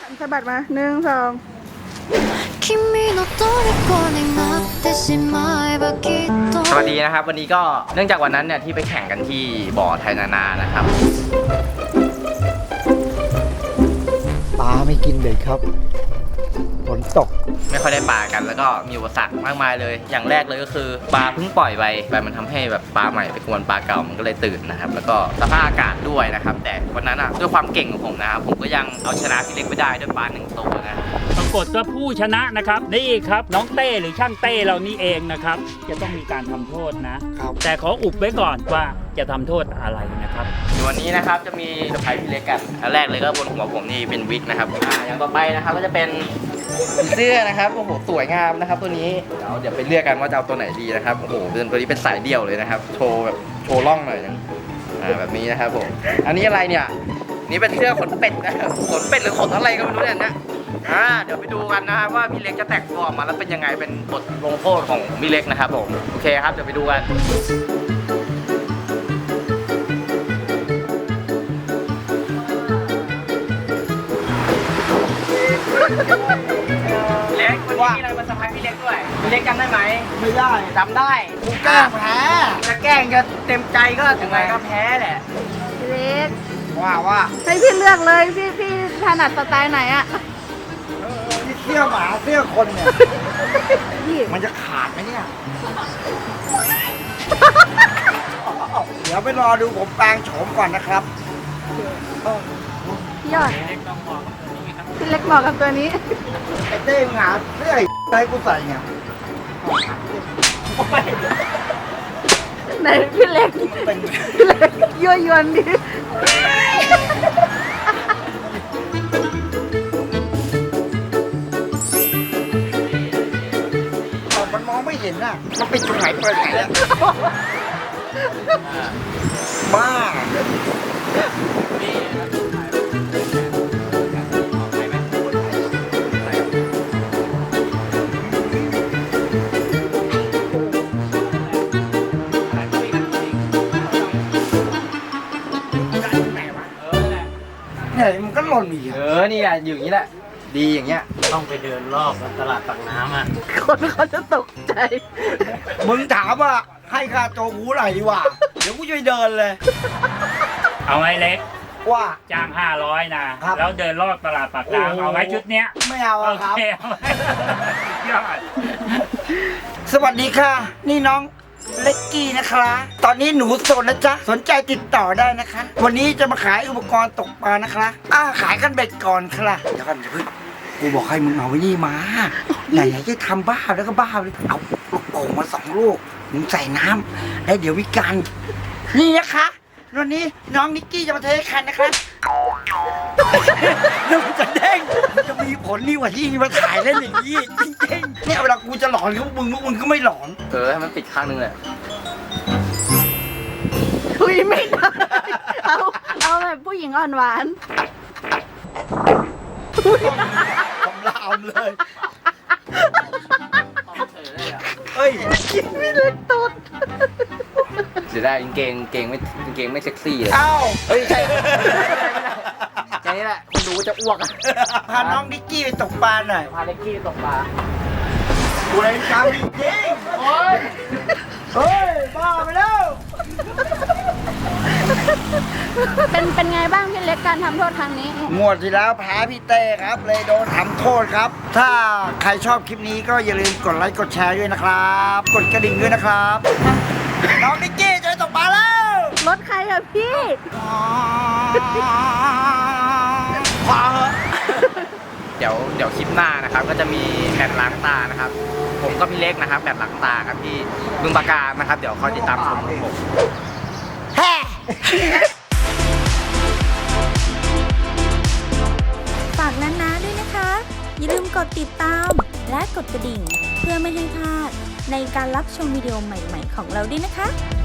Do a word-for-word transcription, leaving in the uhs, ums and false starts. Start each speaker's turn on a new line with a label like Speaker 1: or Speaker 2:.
Speaker 1: สะบัดมาหนึ่งสอง
Speaker 2: สวัสดีนะครับวันนี้ก็เนื่องจากวันนั้นเนี่ยที่ไปแข่งกันที่บ่อไทยนานานะครับ
Speaker 3: ปลาไม่กินเลยครับฝนตก
Speaker 2: ไม่ค่อยได้ปลากันแล้วก็มีอุปสรรคมากมายเลยอย่างแรกเลยก็คือปลาเพิ่งปล่อยไปแบบมันทำให้แบบปลาใหม่ไปกวนปลาเก่ามันก็เลยตื่นนะครับแล้วก็สภาพอากาศด้วยนะครับแต่วันนั้นอ่ะด้วยความเก่งของผมนะครับผมก็ยังเอาชนะพี่เล็กไม่ได้ด้วยปลาหนึ่งตัวนะ
Speaker 4: ปรากฏว่าผู้ชนะนะครับนี่ครับน้องเต้หรือช่างเต้เรานี่เองนะครับจะต้องมีการทำโทษนะแต่ขออุบไว้ก่อนว่าจะทำโทษอะไรนะครับ
Speaker 2: วันนี้นะครับจะมีเซอร์ไพรส์พี่เล็กกันอันแรกเลยก็บนหัวผมนี่เป็นวิกนะครับอ่าอย่างต่อไปนะครับก็จะเป็นเสื้อนะครับโอ้โหสวยงามนะครับตัวนี้เดี๋ยวเดี๋ยวไปเลือกกันว่าจะเอาตัวไหนดีนะครับโอ้โหเป็นตัวนี้เป็นสายเดี่ยวเลยนะครับโชว์แบบโชว์ร่องหน่อยนึงอ่าแบบนี้นะครับผมอันนี้อะไรเนี่ยนี่เป็นเสื้อขนเป็ดนะครับขนเป็ดหรือขนอะไรก็ไม่รู้เนี่ยนะอ่าเดี๋ยวไปดูกันนะครับว่าพี่เล็กจะแต่งตัวออกมาแล้วเป็นยังไงเป็นบทลงโทษของพี่เล็กนะครับผมโอเคครับเดี๋ยวไปดูกันเล็กวันนี้มีอะไรมาสะพายพี่เล็กด้วยพี่เล็กจำได้ไหม
Speaker 3: ไม่ได้
Speaker 2: จำได้
Speaker 3: กูแกล้งแพ้
Speaker 2: จะแกล้งจะเต็มใจก็ยังไงก็แพ้แหละ
Speaker 1: เล็ก
Speaker 3: ว่าว่า
Speaker 1: ให้พี่เลือกเลยพี่พี่ถนัดสไตล์ไหนอะ
Speaker 3: ที่เสื้อหมาเสื้อคนเนี่ย
Speaker 1: พี่
Speaker 3: มันจะขาดไหมเนี่ยเดี๋ยวไปรอดูผมแปลงโฉมก่อนนะครับ
Speaker 1: พี่ยอดพี่เล็กเหมาะกับตัวนี้
Speaker 3: ไอ้เต้งหาเสื้อให้กูใส่เนี่ย
Speaker 1: ไหนพี่เล็กพี่เล็กยั่วยวนดิ
Speaker 3: มันมองไม่เห็นน่ะมันเป็นจุดไหนเปิดไหนอะบ้าเนี่ยมันก็หล่นอีก
Speaker 2: เออนี่แหละอยู่อย่างนี้แหละดีอย่างเงี้ย
Speaker 4: ต้องไปเดินรอบตลาดปากน้ำอ่ะ
Speaker 1: คนเขาจะตกใจ
Speaker 3: มึงถามว่าให้ค่าตัวกูไหร่ดีวะเดี๋ยวกูจะไปเดินเลย
Speaker 4: เอาไว้เล็ก
Speaker 3: ว่า
Speaker 4: จ้างห้าร้อยนะแล้วเดินรอบตลาดปากน้ำเอาไว้ชุดเนี้ย
Speaker 3: ไม่เอาครับ
Speaker 4: ยอด
Speaker 3: สวัสดีค่ะนี่น้องเล็กกี้นะคะตอนนี้หนูโสดนะจ๊ะสนใจติดต่อได้นะคะวันนี้จะมาขายอุปกรณ์ตกปลานะคะอ้าขายกันเบ็ดก่อนค่ะเดี๋ยวกันเดี๋ยวพึ่งกูบอกให้มึงเอาไว้นี่มาไหนๆจะทำบ้าแล้วก็บ้าเลยเอาลูกโป่งมาสองลูกมึงใส่น้ำแล้วเดี๋ยววิกันนี่นะคะวันนี้น้องนิกกี้จะมาเทคันนะคะแล้วมันจะเด้งมันจะมีผลนี่ว่าที่มาถ่ายเล่นอย่างนี้จริงๆเนี่ยเวลากูจะหลอนกับมึงมึงก็ไม่หลอน
Speaker 2: เออให้มันปิดข้างนึงเลย
Speaker 1: คุยไม่ได้เอาเอาแบบผู้หญิงอ่อนหวาน
Speaker 3: ทำลามเลยเฮ้ย
Speaker 1: กินไม่เล็กตุด
Speaker 2: เดี๋ยวได้กางเกงเกงไม่กางเกงไม่เซ็กซี่เลย
Speaker 3: เอ้า
Speaker 2: เฮ้ยใช่แค่นี้แหละคุณดูจะอ้วก
Speaker 3: พาน้องนิกกี้ไปตกปลาหน่อย
Speaker 2: พาเล็กกี้ตกปลา
Speaker 3: กูเลยจำจริงโอ้ยเฮ้ยบ้าไปแล้ว
Speaker 1: เป็นเป็นไงบ้างพี่เล็กการทำโทษครั้งนี้
Speaker 3: งวดที่แล้วแพ้พี่เต้ครับเลยโดนทำโทษครับถ้าใครชอบคลิปนี้ก็อย่าลืมกดไลค์กดแชร์ด้วยนะครับกดกระดิ่งด้วยนะครับน้องนิกกี้จะตกปลาแล้ว
Speaker 1: รถใครอะพี่
Speaker 3: ขวา
Speaker 2: เดี๋ยวเดี๋ยวคลิปหน้านะครับก็จะมีแมตช์ล้างตานะครับผมก็พี่เล็กนะครับแมตช์ล้างตาครับที่บึงปราการนะครับเดี๋ยวคอยติดตามชมผม
Speaker 5: ฝากนานาด้วยนะคะ อย่าลืมกดติดตามและกดกระดิ่งเพื่อไม่ให้พลาดในการรับชมวิดีโอใหม่ๆของเราด้วยนะคะ